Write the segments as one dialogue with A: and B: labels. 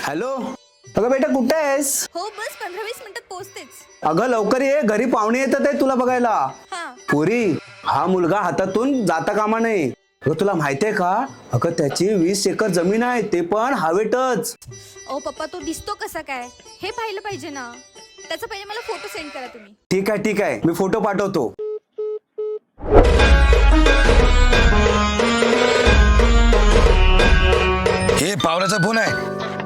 A: Hello, अगं बेटा कुठे आहेस?
B: हो बस 15-20 मिनिटात पोहोचतेच.
A: अगं लवकर ये, घरी पाहुणे येतात आहे तुला बघायला.
B: हा.
A: पुरी, हा मुलगा हातातून जाता कामा नये. अगं तुला माहितीये का, अगं त्याची 20 एकर जमीन आहे, ते पण हवेतच.
B: ओ पप्पा, तो दिसतो कसा काय हे पाहिलं पाहिजे ना. त्याचा पहिले मला फोटो सेंड करा तुम्ही.
A: ठीक आहे, मी फोटो पाठवतो.
C: हे पावलाचा फोन आहे.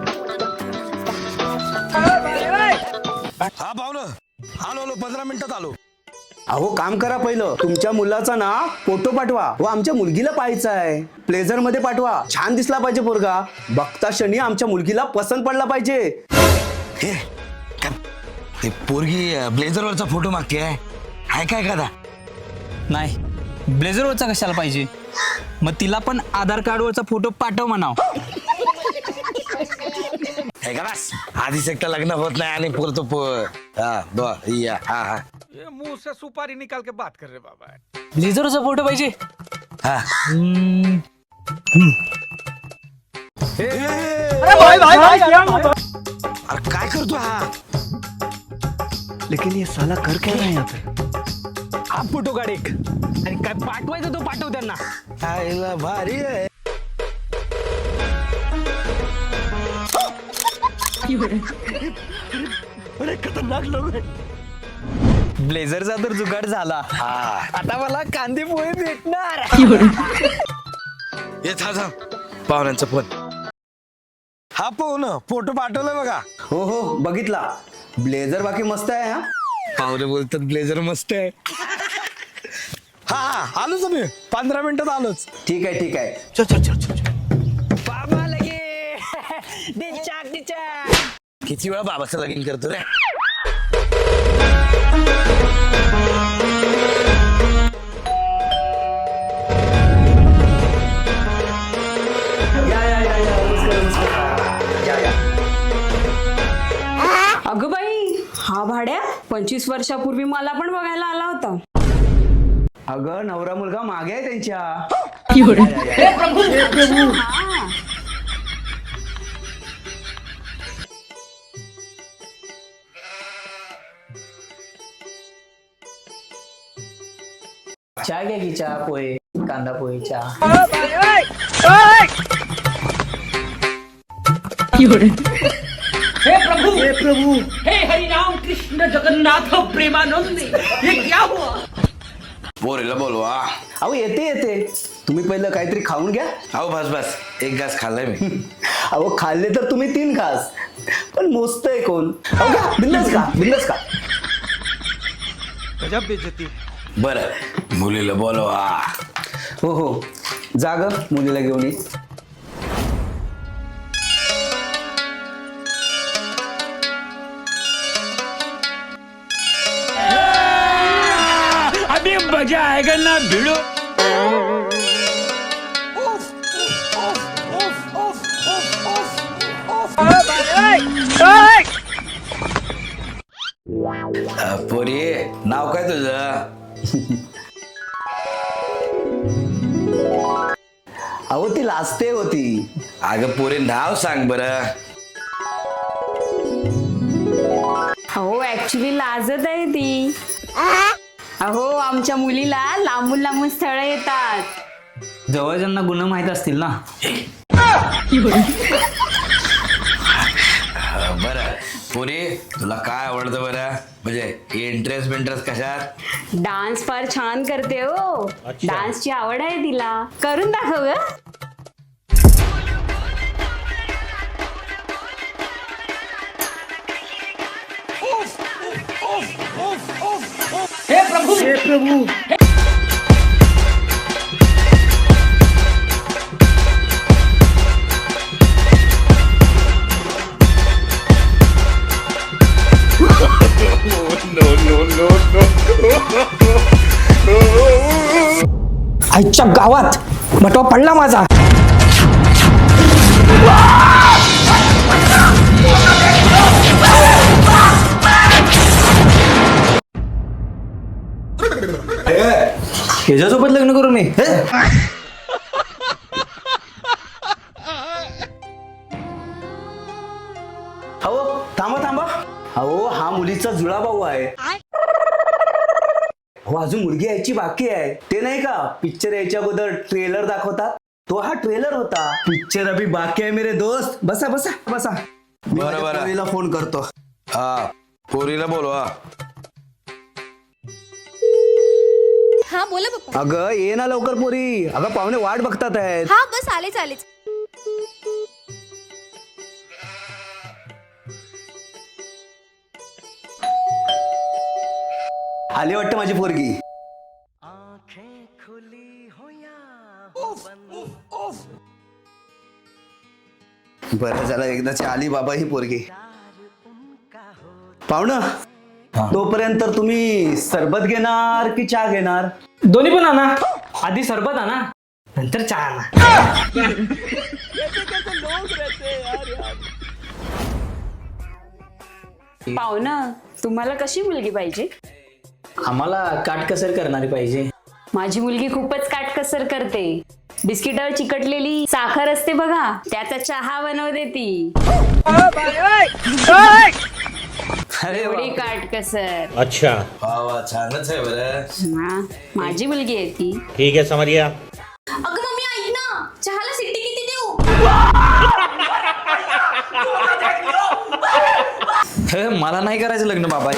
C: हा पावलं, आलो 15 मिनिटात आलो.
A: अहो काम करा पहिलं, तुमच्या मुलाचा ना फोटो पाठवा. व आमच्या मुलगीला पाहायचा आहे. प्लेझर मध्ये पाठवा, छान दिसला पाहिजे पोरगा. बघता क्षणी आमच्या मुलगीला पसंत पडला पाहिजे.
C: हे काय, ते पोरगी ब्लेझरवरचा फोटो मागते आहे काय एखादा?
D: नाही, ब्लेझरवरचा कशाला पाहिजे? मग तिला पण आधार कार्डवरचा फोटो पाठव म्हणाव.
C: हे का बस, आधीच एकटा लग्न होत नाही आणि पुरतो हा
E: ये मुंह से सुपारी निकाल के बात कर रहे बाबा.
D: ब्लेझरवरचा फोटो पाहिजे.
C: हा. अरे काय करतो हा?
A: लेकिन ये साला कर क्या रहा है यहाँ पे?
D: हा फोटो काढ एक, आणि काय पाठवायचं तो पाठव त्यांना.
C: आईला भारी आहे. अरे खतरनाक लोक आहे.
D: ब्लेझरचा तर जुगाड झाला.
C: हा
D: आता मला कांदे पोहे भेटणार.
C: ये थांब, पाहुण्यांचा फोन. हा पाहुण फोटो पाठवलाय बघा.
A: हो बघितला. ब्लेझर बाकी मस्त आहे हा.
C: पाहुणे बोलतात ब्लेझर मस्त आहे. हा आलोच मी 15 मिनिटात आलोच.
A: ठीक आहे.
C: चल.
D: बाबा लगे डिचाक.
C: किती वेळा बाबाचं लगीन करतो रे.
F: अगं बाई, हा भाड्या 25 वर्षापूर्वी मला पण बघायला आला होता.
A: अगं नवरा मुलगा मागे आहे त्यांच्या.
D: चहा घ्या की, चहा पोहे, कांदा पोहे चहा.
C: पोरीला बोलवा.
A: अहो येते. तुम्ही पहिलं काहीतरी खाऊन घ्या.
C: अहो बस एक घास खाल्लाय मी.
A: अहो खाल्ले तर तुम्ही 3 घास, पण मोजतंय कोण? अहो घ्या, बिंदास का.
E: गजब बेइज्जती.
C: बरं मुलीला बोलवा.
A: हो जाग मुलीला घेऊन ये.
D: अभी मजा आएगा ना भिड़ो.
C: पोरी नाव काय तुझं?
A: अहो ती लाजते होती.
C: अगं पोरी नाव सांग बरं.
F: अहो ऍक्च्युली लाजत आहे ती. अहो आमच्या मुलीला लांबून स्थळ येतात.
D: जवळच्यांना गुन्हा माहित असतील ना.
C: बरं पोरी तुला काय आवडतं बरं, म्हणजे इंटरेस्ट कशात?
F: डान्स फार छान करते हो. डान्सची आवड आहे तिला. करून दाखव ग.
G: आईच्या गावात बटवा पडला माझा.
D: ह्याच्यासोबत लग्न करू मी?
A: मुलीचा जुळा भाऊ आहे. हो अजून मुलगी यायची बाकी आहे. ते नाही का पिक्चर यायच्या अगोदर ट्रेलर दाखवतात, तो हा ट्रेलर होता. पिक्चर अभी बाकी आहे मेरे दोस्त. बसा बसा बसा. मी
C: बरं,
A: माझ्या
C: बरं.
A: पोरीला फोन करतो.
C: हा पोरीला बोलवा.
B: हा बोला पप्पा.
A: अगं ये ना लवकर पोरी. अगं पाहुणे वाट बघतात आहेत.
B: हा बस आलेच आलेच.
A: आली वाटतं माझी पोरगी. बरं झालं एकदाची आली बाबा ही पोरगी. पाहुणं तोपर्यंत तुम्ही सरबत घेणार की चहा घेणार?
G: दोन्ही पण आणा. आधी सरबत आणा, नंतर चहा आणा.
F: पाहुणं, तुम्हाला कशी मुलगी पाहिजे?
D: आम्हाला काटकसर करणारी पाहिजे.
F: माझी मुलगी खूपच काटकसर करते. बिस्किटावर चिकटलेली साखर असते बघा, त्याचा चहा बनवते ती.
D: अरे
F: एवढी काटकसर.
H: अच्छा,
C: वा वा छानच आहे बरं.
F: हा, माझी मुलगी आहे ती.
H: ठीक है समझ गया.
B: अगं मम्मी ऐक ना, चहाला सिट्टी किती देऊ?
D: हे, मला नाही करायचं लग्न बाबा.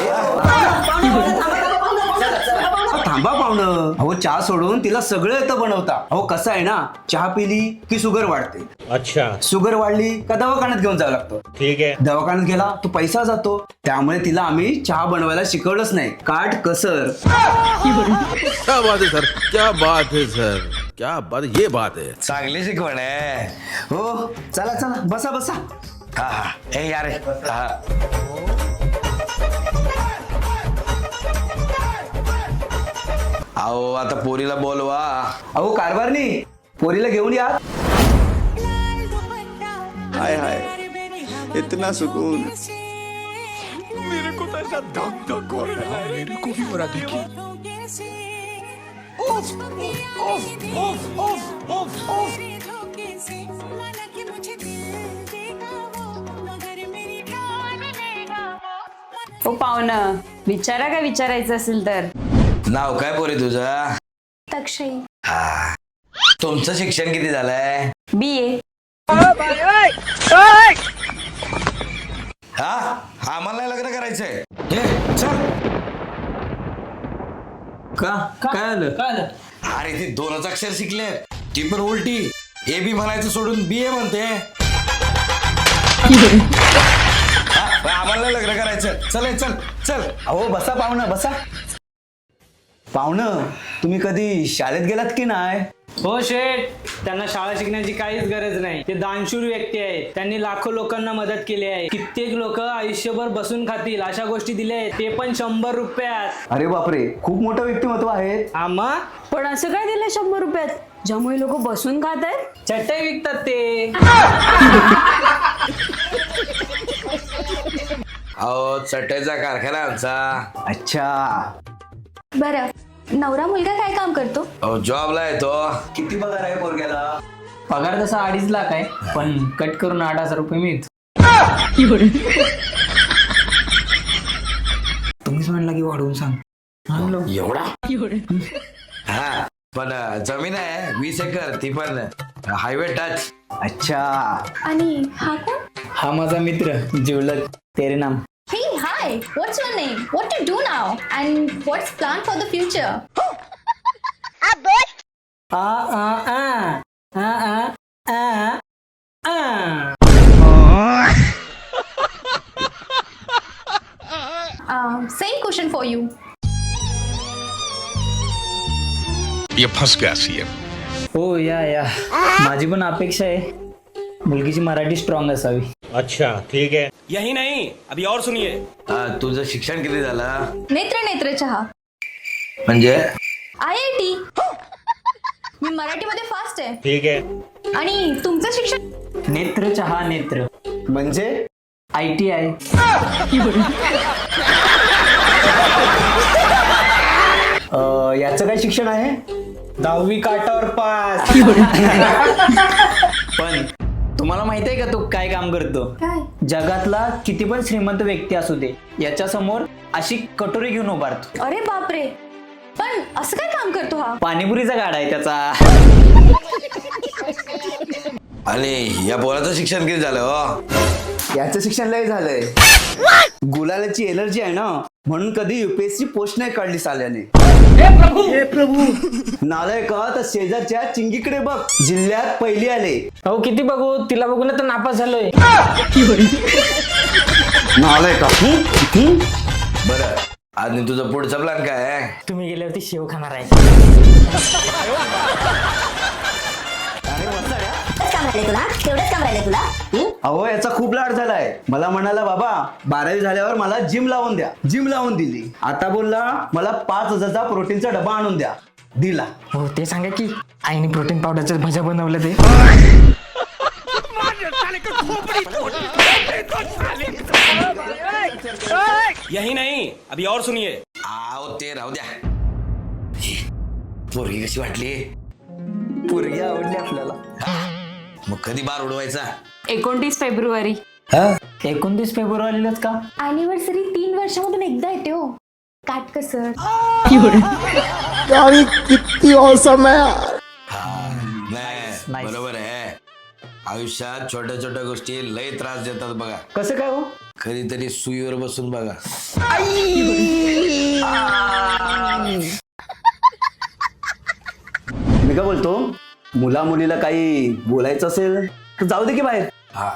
A: थांबा पाहुणं. अहो चहा सोडून तिला सगळं येतं बनवता. अहो कसं आहे ना, चहा पिली की शुगर वाढते,
H: अच्छा,
A: शुगर वाढली का दवाखान्यात घेऊन जावं लागतं.
H: ठीक है.
A: दवाखान्यात गेला तो पैसा जातो. त्यामुळे तिला आम्ही चहा बनवायला शिकवलंच नाही. काट कसर.
I: क्या बात है सर, क्या बात है सर, क्या बात, ये बात है.
C: चांगली शिकवण आहे.
A: हो चला चला बसा बसा.
C: हा हा ए यार हा. अहो आता पोरीला बोलवा.
A: अहो कारभारनी पोरीला घेऊन या.
I: हाय हाय, इतना सुकून.
E: मेरे को तो ऐसा धक धक हो रहा है. मेरे को भी हो रहा देखिए.
F: ओ पाहुणं, विचारा काय विचारायचं असेल तर.
C: नाव काय पोरी तुझं?
B: तक्षई.
C: हा. तुमचं शिक्षण किती झालंय?
F: BA.
C: हा आम्हाला नाही लग्न करायचंय. ए, चल.
D: का काय आलं? काय आलं?
C: अरे ती दोनच अक्षर शिकले, ती पण उलटी. AB म्हणायचं सोडून BA म्हणते. हा, आम्हाला नाही लग्न करायचं. चल चल चल.
A: अहो बसा पाहुणं बसा. पाहुणं तुम्ही कधी शाळेत गेलात की नाही?
G: हो शेठ, त्यांना शाळा शिकण्याची काहीच गरज नाही. ते दानशूर व्यक्ती आहेत. त्यांनी लाखो लोकांना मदत केली आहे. कित्येक लोक आयुष्यभर बसून खातील अशा गोष्टी दिल्या आहेत, ते पण 100 रुपयात.
A: अरे बापरे, खूप मोठं व्यक्तिमत्व आहे.
G: आम्हा
F: पण असं काय दिलं 100 रुपयात, ज्यामुळे लोक बसून खात आहेत?
G: चटई विकतात ते.
C: अहो चटईचा कारखाना आमचा.
A: अच्छा.
B: बरं, नवरा मुलगा काय काम करतो?
C: अहो जॉबला आहे तो.
A: किती पगार आहे पोरग्याला?
D: पगार तसा 2.5 लाख आहे, पण कट करून 8,000 रुपये मिळत. तुम्हीच म्हणला की वाढवून सांग.
C: एवढा? हा पण जमीन आहे 20 एकर, ती पण हायवे टच.
A: अच्छा.
B: आणि हा कोण?
D: हा माझा मित्र जिवलग तेरे नाम.
B: Hey, hi. What's your name? What to do now? And what's plan for the future?
G: A a a a a a a.
B: Same question for you.
I: ये फंस गया सीएम.
D: हो या माझी पण अपेक्षा आहे मुलगीची मराठी स्ट्रॉंग असावी.
H: अच्छा, ठीक है.
J: यही नहीं, अभी और सुनिए.
C: तुझं शिक्षण किती झालं?
B: नेत्र चहा.
C: म्हणजे
B: IIT. मी मराठीमध्ये फास्ट आहे.
H: ठीक है.
B: आणि तुमचं शिक्षण?
D: नेत्र चहा नेत्र
A: म्हणजे
D: ITI.
A: याचं काय शिक्षण आहे?
G: 10वी काटावर पास.
A: पण
D: तुम्हाला माहित आहे का तो काय काम करतो?
B: काय?
D: जगातला किती पण श्रीमंत व्यक्ती असू दे, याच्या समोर अशी कटोरी घेऊन उभारतो.
B: अरे बापरे, पण असं काय काम करतो हा?
D: पाणीपुरीचा गाडा आहे त्याचा.
C: आणि या पोराचं शिक्षण किती झालं हो?
A: याचं शिक्षण लय झालंय. गुलालाची एलर्जी आहे ना, म्हणून कधी युपीएससी पोस्ट नाही काढली साल्याने. हे प्रभू नालाय का, तर शेजारच्या चिंगीकडे बघ, जिल्ह्यात पहिली आले.
G: अहो किती बघू, तिला बघून तर नापास झालोय.
A: नालाय का.
C: बरं, आणि तुझा पुढचा प्लॅन काय आहे?
G: तुम्ही गेल्यावरती शेव खाणार आहे.
A: अहो याचा खूप लाड झालाय. मला म्हणाला बाबा 12वी झाल्यावर मला जिम लावून द्या. जिम लावून दिली. आता बोलला मला 5,000चा प्रोटीनचा डबा आणून द्या. दिला.
G: हो ते सांगा की आईने प्रोटीन पावडरच्या भज्या बनवलं ते.
J: यही नहीं, अभी और सुनिए.
C: आव ते राहू द्या. पोरगी कशी वाटली?
D: पोरगी आवडली आपल्याला.
C: मग कधी बार उडवायचा?
F: 29 फेब्रुवारी.
D: 29 फेब्रुवारीलाच का?
B: अॅनिव्हर्सरी 3 वर्षामधून एकदा येते हो. काटकसर.
C: नाही, बरोबर आहे. आयुष्यात छोट्या छोट्या गोष्टी लय त्रास देतात बघा.
D: कसं काय हो?
C: कधीतरी सुईवर बसून बघा.
A: मी काय बोलतो, मुला मुलीला काही बोलायचं असेल तर जाऊ दे की बाहेर.
C: हा,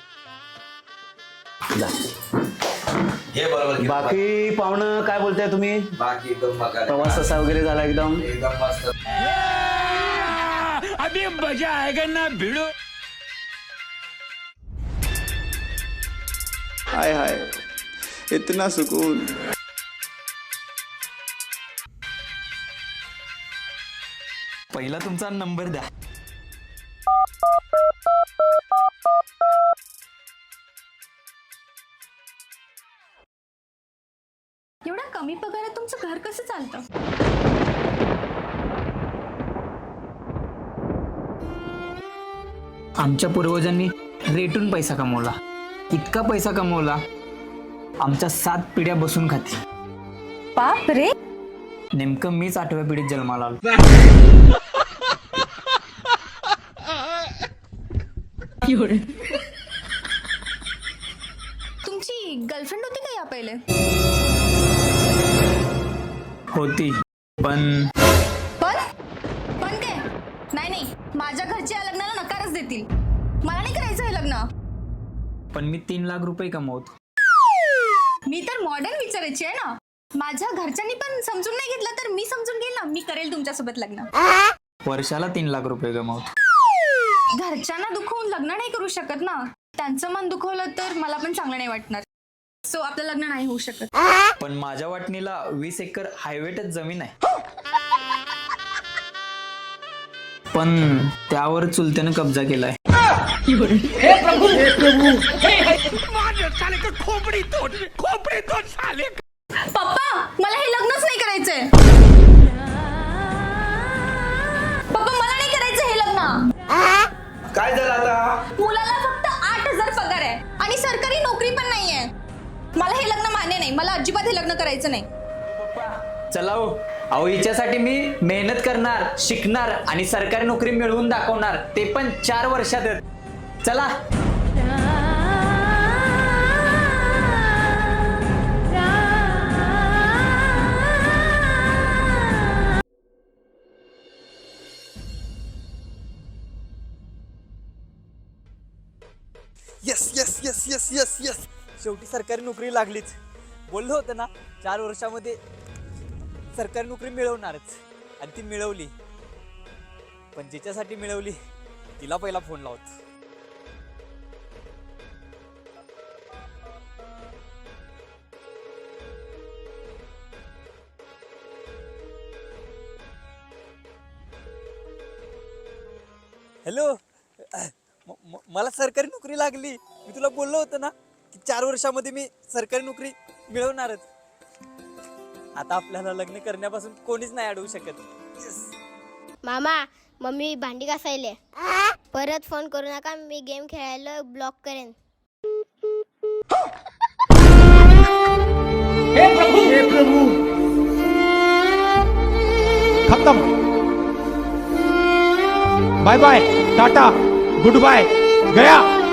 C: जा. हे बरोबर केलं.
A: बाकी पाहुणं काय बोलताय तुम्ही?
C: बाकी एकदम बघा.
A: प्रवास कसा वगैरे झाला एकदम?
C: एकदम मस्त.
E: अभी मजा आएगा ना भिड़ो.
K: हाय हाय, इतना सुकून.
D: पहिला तुमचा नंबर द्या.
B: एवढा कमी पगारात तुमचं घर कसं चालतं?
D: आमच्या पूर्वजांनी रेटून पैसा कमवला. इतका पैसा कमवला, आमच्या 7 पिढ्या बसून खाती.
B: बाप रे.
D: नेमकं मीच 8व्या पिढीत जन्माला आलो.
B: तुमची गर्लफ्रेंड होती का या पहिले?
D: होती, पण
B: पण पण काय? नाही नाही, माझ्या घरचे या लग्नाला नकारच देतील. मला नाही करायचं हे लग्न.
D: पण मी 3 लाख रुपये कमवतो.
B: मी तर मॉडर्न विचारायची आहे ना. माझ्या घरच्यांनी पण समजून नाही घेतलं तर मी समजून घेईल ना. मी करेल तुमच्यासोबत लग्न.
D: वर्षाला 3 लाख रुपये कमवतो.
B: घरच्यांना दुखवून लग्न नाही करू शकत ना. त्यांचं मन दुखवलं तर मला पण चांगलं नाही वाटणार. सो आपलं लग्न नाही होऊ शकत.
D: पण माझ्या वाटणीला 20 एकर हायवेटच जमीन आहे. पण त्यावर चुलत्यानं कब्जा केलाय.
E: खोपड़ी तोड़ साले.
B: पप्पा मला हे लग्नच नाही करायचंय. पप्पा मला नाही करायचं हे लग्न.
A: काय झालं आता?
B: मुलाला फक्त 8,000 पगार आहे आणि सरकारी नोकरी पण नाहीये. मला हे लग्न मान्य नाही. मला अजिबात हे लग्न करायचं नाही.
D: चला हो. अहो हिच्यासाठी मी मेहनत करणार, शिकणार आणि सरकारी नोकरी मिळवून दाखवणार, ते पण 4 वर्षातच. चला.
L: Yes yes yes yes yes yes शेवटी सरकारी नोकरी लागलीच. बोललो होतं ना 4 वर्षामध्ये सरकारी नोकरी मिळवणारच, आणि ती मिळवली. पण जिच्यासाठी मिळवली तिला पहिला फोन लावतो. हॅलो, मला सरकारी नोकरी लागली. मी तुला बोललो होतं ना की 4 वर्षामध्ये मी सरकारी नोकरी मिळवणारच. आता आपल्याला लग्न करण्यापासून कोणीच नाही अडवू शकत.
M: मामा, मम्मी भांडी घासायले. परत फोन करू नका, मी गेम खेळायला ब्लॉक करेन.
E: हे प्रभु खत्म. Bye bye, tata, goodbye, गया.